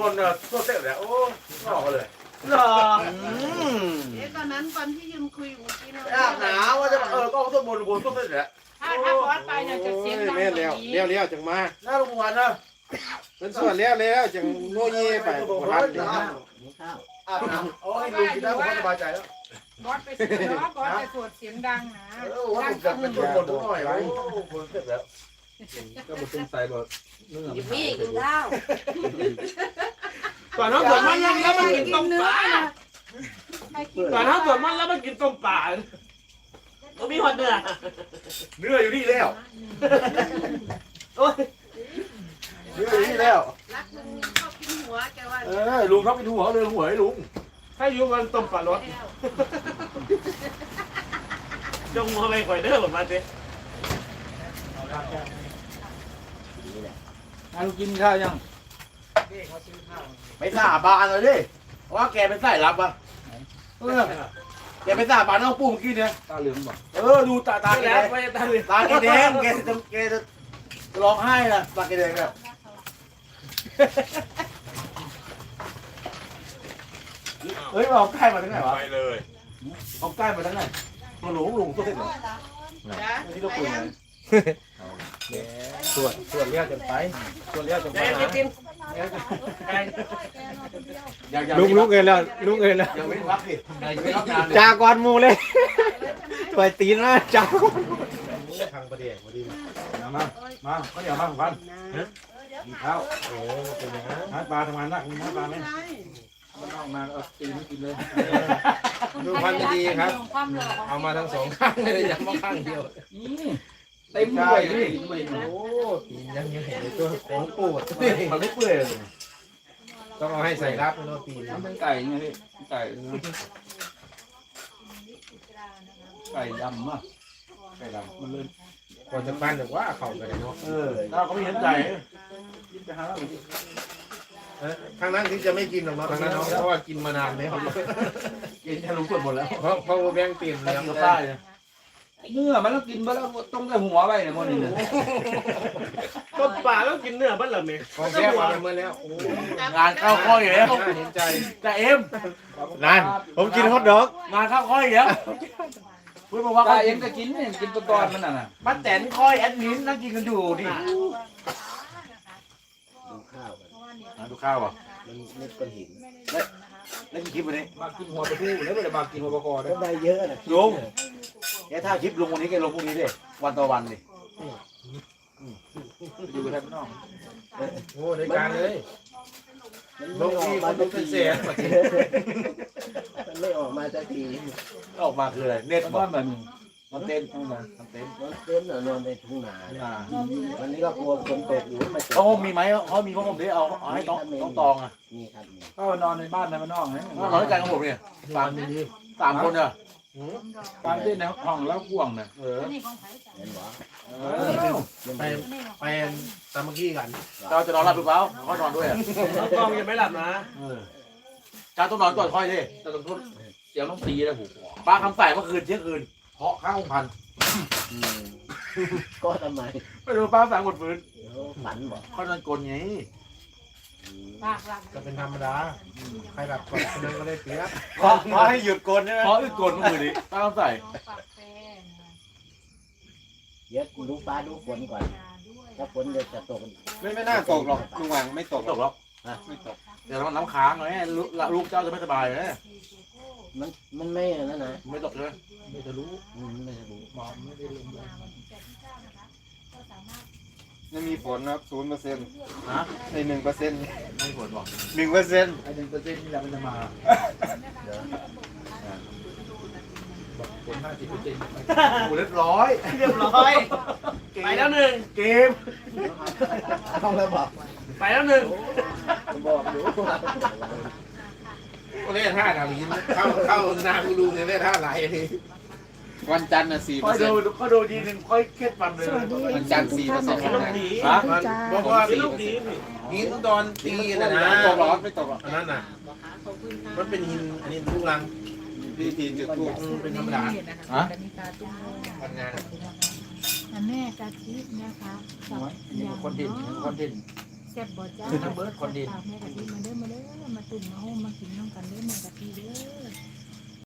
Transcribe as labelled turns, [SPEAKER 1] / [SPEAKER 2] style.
[SPEAKER 1] บนเนี่ยตัวเต็มเลยโอ้หล่อเลย
[SPEAKER 2] หรอ
[SPEAKER 3] ตอนนั้นตอนที่ยืนคุยเมื่อกี้นะ
[SPEAKER 1] อาบหนาวว่าจะก็ตัวบนตัวเต็มเลย
[SPEAKER 4] ถ้าบอสไปเนี่ยจะเสียงดัง
[SPEAKER 5] แม่เลี้ยวจังมา
[SPEAKER 1] หน้าโรงพยาบาลนะ
[SPEAKER 5] เป็นส่วนเลี้ยวจังโง่เย่ไป
[SPEAKER 1] บอก
[SPEAKER 5] บ่
[SPEAKER 1] ว่า
[SPEAKER 5] ทัน
[SPEAKER 1] อาบน้ำโอ้ยลุงกินแล้วผมก็สบายใจแล้ว
[SPEAKER 4] บอสไปเสียงดังบอสจะสวดเสียงดังนะ
[SPEAKER 1] ว่าผมจะเป็นตัวบนตัวหน่อยโอ้คนเต็มแล้ว
[SPEAKER 2] ก็มาเป็นใส่รถเนื้อ
[SPEAKER 3] พี่กินข้าว
[SPEAKER 2] ก่อนน้องสวนมันแล้วมันกินต้มปลาก่อนน้องสวนมันแล้วมันกินต้มปลาก็มีคนเนื้อ
[SPEAKER 1] เนื้ออยู่นี่แล้ว
[SPEAKER 2] โอ้ย
[SPEAKER 1] เนื้ออยู่นี่แล้ว
[SPEAKER 3] รักลุงชอบกินหัวแกว่า
[SPEAKER 1] ลุงเขาเป็นหัวเลยหัวให้ลุง
[SPEAKER 2] ถ้าอยู่มันต้มปลารสจงมาไปก่อยเด้อแบบมาสิ
[SPEAKER 6] ลูกกินข้าวยัง
[SPEAKER 1] ไปสาบานเลยดิว่าแกเป็นสายลับอ่ะแกเป็นสาบานน้องปู่เมื่อกี้เนี่ย
[SPEAKER 6] ตาเหลืองบ่
[SPEAKER 1] ดูตาแก
[SPEAKER 2] แล้
[SPEAKER 1] แด
[SPEAKER 2] ว
[SPEAKER 1] ง
[SPEAKER 2] ไปตาเหลือง
[SPEAKER 1] ตาแกแดงแกจะร้องไห้นะตาแกแดงเนี่ยเฮ้ยเอาใกล้มาทั้งไหนวะ
[SPEAKER 5] ไปเลย
[SPEAKER 1] เอาใกล้มาทั้งไหนมาหลงตัวเห็นเหรอที่เราคุยไง
[SPEAKER 6] ส่วนเลี้ยวจังไปส่วนเลี้ยวจังไป
[SPEAKER 2] กิน
[SPEAKER 6] ลุกเงินแล้วลุกเงินแล้ว
[SPEAKER 1] ยังไม่รับดิยังไม่รับงาน
[SPEAKER 6] จากอนมูเลยตัวตีนนะจาก
[SPEAKER 5] ทางประเดี๋ยวพอดี
[SPEAKER 6] มาก็เดี๋ยวมาพันกินข้าว
[SPEAKER 5] โอ้เป็นอย่างนั้น
[SPEAKER 6] หาปลาทำงานหนักหาปลาไหมมันออกมาเอาตีนกินเลย
[SPEAKER 5] ดูพันดีครับ
[SPEAKER 4] ความหล่อของ
[SPEAKER 5] เอามาทั้งสองข้างเลยยังมาข้างเดียว
[SPEAKER 6] เต็มด้วยนี่
[SPEAKER 5] โอ้ตีนยังเห็นเลยตัวของปูด
[SPEAKER 1] มันไม่เปื่อยเลย
[SPEAKER 5] ต้องเอาให้ใส่รับโน่ตีน
[SPEAKER 6] มันเป็นไก่ไงพี่ไก่ไก่ดำอ่ะไก่ดำมันเลย
[SPEAKER 5] ก่อนจะปั้นแต่ว่าเข่าไปเลยเนาะ
[SPEAKER 1] เราก็ไม่เห็นใจ
[SPEAKER 6] กินไปหาแล้ว
[SPEAKER 5] ทางนั้นที่จะไม่กินหรอกเนาะทางนั้นเพราะว่ากินมานานแล้ว
[SPEAKER 1] กินแค่รู้ส่วนหมดแล้ว
[SPEAKER 5] เพราะแบงค์เปลี่ยนแล้ว
[SPEAKER 1] กินข้าวเนี่ย
[SPEAKER 6] เนื้อมันต้องกินไปแล้วต้องได้หัวไปเนี่ยมันนี่
[SPEAKER 2] ต้มปลาแล้วกินเนื้อบ้านเหรอเมย์
[SPEAKER 5] ของแซ่บมาเมื่อแล้วโอ้
[SPEAKER 1] งานเข้าค่อยแล้ว
[SPEAKER 5] เห็นใจ
[SPEAKER 1] แต่เอ็ม
[SPEAKER 6] นั่นผมกินฮอทดอก
[SPEAKER 1] งานเข้าค่อยแล้วพูดมาว่า
[SPEAKER 6] ตาเอ็มก็กินเนี่ยกินตัวตอนมันน่ะ
[SPEAKER 1] ป้าแตนค่อยแอดมินนั่งกินกันอยู่ดิ
[SPEAKER 5] ดูข้าวอ่ะ
[SPEAKER 1] แล้วกินคลิปวันนี้
[SPEAKER 6] มากินหัวปลาทูแล้วไม่ได้มากินหัวปลาคอได้
[SPEAKER 3] ได้เยอะนะ
[SPEAKER 1] ลุงแกถ้าคลิปลงวันนี้แกลงพรุ่งนี้ดิวันต่อวันดิ
[SPEAKER 6] อยู่แทบนอก
[SPEAKER 5] โอ้ในการเลยลงที่คนเป็นเสีย
[SPEAKER 3] มันไม่ออกมาสักที
[SPEAKER 1] ออกมาคืออะไรเน็ต
[SPEAKER 6] มัน
[SPEAKER 1] บอ
[SPEAKER 6] ว่าก แบบนี้
[SPEAKER 1] มันเต้นมันเต้น
[SPEAKER 3] มันเต้นนอนในทุ่งนาวันนี้ก็กลัวฝนตกอยู่ไม่ตก
[SPEAKER 1] เขามีไหมเขามีผ้าห่มดิเอาให้ต้องตองอ่ะ
[SPEAKER 3] นี่ครับนี่
[SPEAKER 6] ก็นอนในบ้านในบ้านนอกนะ
[SPEAKER 1] นอนด้วยกันกับผมเนี่ยสามคนเนี่ย
[SPEAKER 6] การเต้นในห้องแล้วห่วงนะ
[SPEAKER 4] นี่ของไผ่
[SPEAKER 3] เห็นบ่
[SPEAKER 5] ไปตามเมื่อกี้กัน
[SPEAKER 1] เราจะนอนหลับหรือเปล่าเขานอนด้วยอ่ะ
[SPEAKER 2] กองยังไม่หลับนะ
[SPEAKER 1] จ้าต้องนอนก่อนค่อยดิ
[SPEAKER 6] แต่ต้องทุบเดี๋ยวต้องตีแล้วหู
[SPEAKER 1] ป้าคำใส่เมื่อคืนเที่ยงคืนเพาะข้างพัน
[SPEAKER 3] ก็ทำไม
[SPEAKER 1] ไม่รู้ป้าสั่งหมดฟื้น
[SPEAKER 3] ฝันบ่
[SPEAKER 1] เขานอนกลนไง
[SPEAKER 4] ปากหลับ
[SPEAKER 5] ก็เป็นธรรมดาใครหลับก่อนคนนั้นก็ได้เปรียบ
[SPEAKER 1] เพราะให้หยุดกลนใช่ไหมเพราะอึดกลนเมื่อคืนนี้ป้าคำใส่
[SPEAKER 4] ปากแฟน
[SPEAKER 3] เดี๋ยวดูฟ้าดูฝนก่อนถ้าฝนจะตก
[SPEAKER 5] ไม่น่าตกหรอกลุงหวังไม่ตก
[SPEAKER 1] ตกหรอก
[SPEAKER 5] ไม่ตก
[SPEAKER 1] เดี๋ยวน้ำค้างไงลูกเจ้าจะไม่สบายเลย
[SPEAKER 3] มันไม่นั่นนะ
[SPEAKER 1] ไม่ตกใช่ไหม
[SPEAKER 6] ไม่จะรู้
[SPEAKER 3] ไม่จะรู้
[SPEAKER 6] มองไม่ได้ลงเลย
[SPEAKER 5] ไม่มีผลนะครับ0%
[SPEAKER 1] ฮะ
[SPEAKER 5] ใน1%
[SPEAKER 1] ไม่ผลบอก
[SPEAKER 5] 1%
[SPEAKER 6] ไอ้1%นี่แหละมันจะมาบอกผล50%
[SPEAKER 1] กูเรียบร้อย
[SPEAKER 2] เรียบร้อยไปแล้วหนึ่ง
[SPEAKER 1] เกม
[SPEAKER 3] ต้องแล้วบอก
[SPEAKER 2] ไปแล้วหนึ่ง
[SPEAKER 3] บอกดู
[SPEAKER 5] ก็เล่นท่าดาวินเข้านากูดูเนี่ยเล่นท่าไหลวันจันทร์น่ะ
[SPEAKER 1] ค่อยดูเขาดูทีนึงค่อยเคล็ดมันเลย
[SPEAKER 5] วันจันทร์4%
[SPEAKER 2] ลูกดี
[SPEAKER 1] ฮะ
[SPEAKER 5] บอกว่า
[SPEAKER 2] ลูกดี
[SPEAKER 5] หินตอนตีนะนะ
[SPEAKER 1] ตกหรอไม่ตกหรอ
[SPEAKER 5] อันนั้นน่ะมันเป็นหินอันนี้ลูกรังพิธีจุดธูปเป็นธรรมดา
[SPEAKER 1] ฮะ
[SPEAKER 5] ทำงาน
[SPEAKER 4] แม่กะทินะคะ
[SPEAKER 6] นี่คนดินคนดิน
[SPEAKER 4] แซ่บบ่จ้า
[SPEAKER 3] คือน้ำเบิร์ดคนดิน
[SPEAKER 4] แม่กะทิมาเด้อมาตุ่มมาโฮมมากินน้ำกันเด้อแม่กะทิเด้